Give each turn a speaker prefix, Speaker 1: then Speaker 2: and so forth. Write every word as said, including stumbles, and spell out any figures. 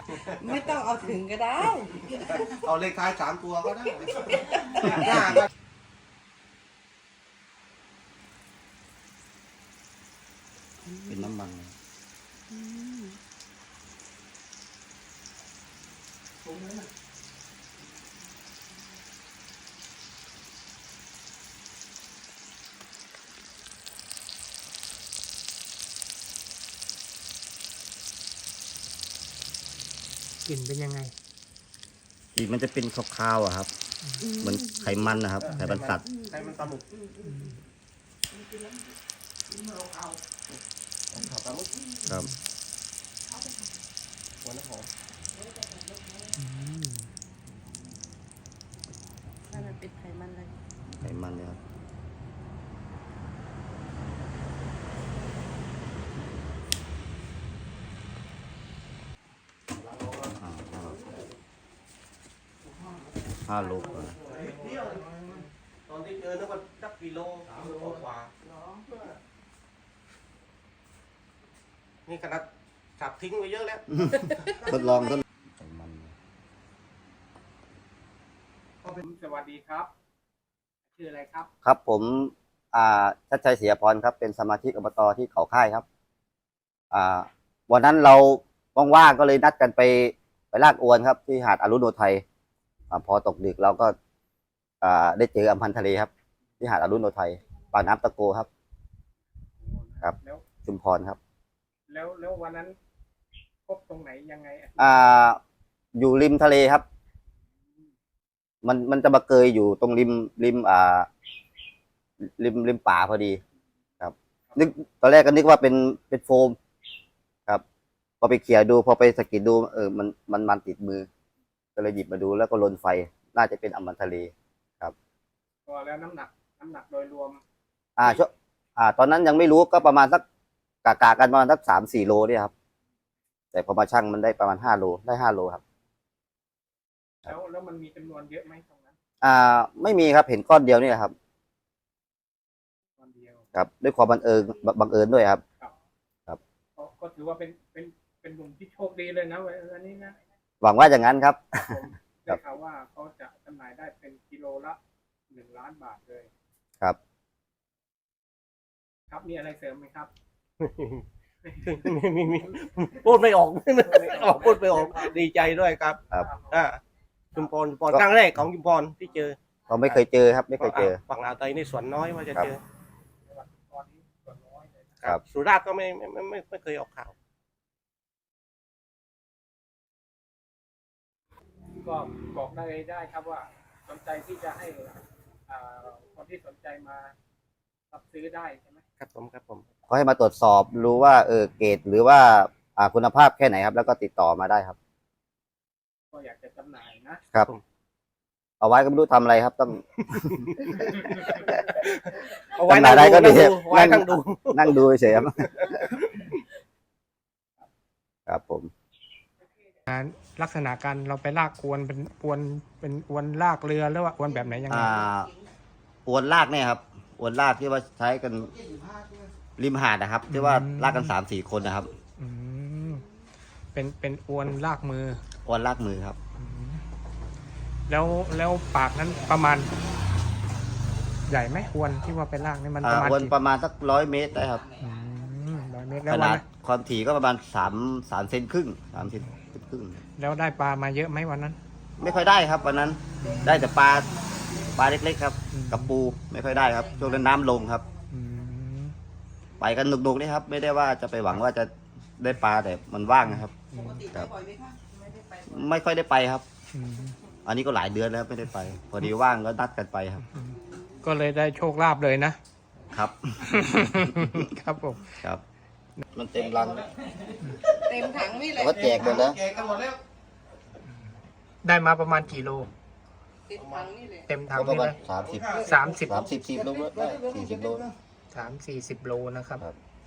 Speaker 1: ไม่ต้องเอาถึงก็ได้
Speaker 2: เอาเลขท้ายสามตัวก็ได้หน้าก็เป็นน้ำมัน
Speaker 3: กลิ่นเป็นยังไง
Speaker 2: กลิ่นมันจะเป็นคาวๆอะครับเหมือนไขมันนะครับไขมันสัตว์ไขมันปลาหมึกครับหัวน้ำหอม
Speaker 1: ถ้ามันเป็นไขมันเลย
Speaker 2: ไขมันเลยครับห้าโลกว่าตอนที่เจอนึกว่าสักกิโลสามโลกว่านี่ขนาดสับทิ้งไปเยอะแล้วทดลองทดมัน
Speaker 3: สวัสดีครับชื่ออะไรครับ
Speaker 2: ครับผมอ่าชัดชัยเสียพรครับเป็นสมาชิกอบตที่เขาค่ายครับอ่าวันนั้นเราว่างๆก็เลยนัดกันไปไปลากอวนครับที่หาดอรุณโนไทยพอตกดึกเราก็ได้เจออัมพันธ์ทะเลครับที่หาดอรุณโนไทยปากน้ำตะโกครับครับชุมพรครับ
Speaker 3: แล้วแล้ววันนั้นพบตรงไหนยังไง
Speaker 2: อ่าอยู่ริมทะเลครับมันมันจะมาเกยอยู่ตรงริมริมอ่าริมริมป่าพอดีครับนึกตอนแรกก็นึกว่าเป็นเป็นโฟมครับพอไปเขี่ยดูพอไปสะกิดดูเออมันมันมันติดมือก็เลยหยิบมาดูแล้วก็ลนไฟน่าจะเป็นอัมพันธ์ทะเลครับ
Speaker 3: ก็แล้วน้ำหนักน้ำหนักโดยรวม
Speaker 2: อ่าช่วอ่าตอนนั้นยังไม่รู้ก็ประมาณสักกากากันประมาณสักสามสี่โลเนี่ยครับแต่พอมาชั่งมันได้ประมาณห้าโลได้ห้าโลครับ
Speaker 3: แล้วแล้วมันมีจำนวนเยอะไหมตรงนั้น
Speaker 2: อ่าไม่มีครับเห็นก้อนเดียวนี่ครับ
Speaker 3: ก้อนเดียว
Speaker 2: ครับด้วยความบังเอิญบังเอิญด้วยครับ
Speaker 3: ครับครับก็ถือว่าเป็นเป็นเป็นหนุ่มที่โชคดีเลยนะวันนี้นะ
Speaker 2: หวังว่าอย่างนั้นครับ
Speaker 3: ได้ข่าวว่าเขาจะจำหน่ายได้เป็นกิโลละหนึ่งล้านบาทเลย
Speaker 2: ครับ
Speaker 3: ครับมีอะไรเสริมไหมครับ
Speaker 4: มีมีพูดไม่ออกออกพูดไม่ออกดีใจด้วยครับ
Speaker 2: ครับ
Speaker 4: อ่าชุมพรชุมพรครั้งแรกของชุมพรที่เจอ
Speaker 2: เราไม่เคยเจอครับไม่เคยเจอ
Speaker 4: ฝั่งอ่าวไทยนี่ส่วนน้อยว่าจะเจอ
Speaker 2: ครับ
Speaker 4: สุราษฎร์ก็ไม่ไม่ไม่ไม่เคยออกข่าว
Speaker 3: ก็บอกได้ได้ครับว่าสนใจที่จะให้คนที่สนใจมารับซื้อได้ใช่ไหม
Speaker 4: ครับผมครับผม
Speaker 2: เขาให้มาตรวจสอบรู้ว่าเออเกรดหรือว่าอ่าคุณภาพแค่ไหนครับแล้วก็ติดต่อมาได้ครับ
Speaker 3: ก็อยากจะจำหน่าย
Speaker 2: นะครับเอาไว้ก็ไม่รู้ทำอะไรครับต้อง
Speaker 4: เอาไว้นั่งดูก็ดีไว้นั่งดู
Speaker 2: นั่งดูเฉยครับครับผม
Speaker 3: ลักษณะการเราไปลากอวนเป็นอวนเป็นอวนลากเรือหรือว่าอวนแบบไหนยังไง
Speaker 2: อวนลากเนี่ยครับอวนลากที่ว่าใช้กันริมหาดนะครับที่ว่าลากกันสามสี่คนนะครับ
Speaker 3: อืมเป็นเป็นอวนลากมือ
Speaker 2: อวนลากมือครับ
Speaker 3: แล้วแล้วปากนั้นประมาณใหญ่ไหมอวนที่ว่าเป็นลากนี่มันประมาณ
Speaker 2: อวนประมาณสักร้อยเมตรได้ครับ
Speaker 3: ร้อยเมตร
Speaker 2: ขนาดความถี่ก็ประมาณสามสามเซนครึ่งสามเซนครึ่ง
Speaker 3: แล้วได้ปลามาเยอะไหมวันนั้น
Speaker 2: ไม่ค่อยได้ครับวันนั้นได้แต่ปลาปลาเล็กๆครับกับปูไม่ค่อยได้ครับช่วงนั้นน้ำลงครับไปกันหนุกๆนี่ครับไม่ได้ว่าจะไปหวังว่าจะได้ปลาแต่มันว่างนะครับไม่ค่อยได้ไปครับอันนี้ก็หลายเดือนแล้วไม่ได้ไปพอดีว่างก็นัดกันไปครับ
Speaker 3: ก็เลยได้โชคลาภเลยนะครับครับผม
Speaker 2: ครับมันเต็มรัง
Speaker 1: เต็มถังนี่เลย
Speaker 2: ก็แจกหมดแล้ว
Speaker 3: ได้มาประมาณกี่โล
Speaker 1: เต็มถังนี่เลย
Speaker 3: เต็มถังนี่เลย
Speaker 2: สามสิบ
Speaker 3: สามสิบ
Speaker 2: สามสิบสิบโลได้สี่สิบโล
Speaker 3: สามสี่สิบโลนะครับ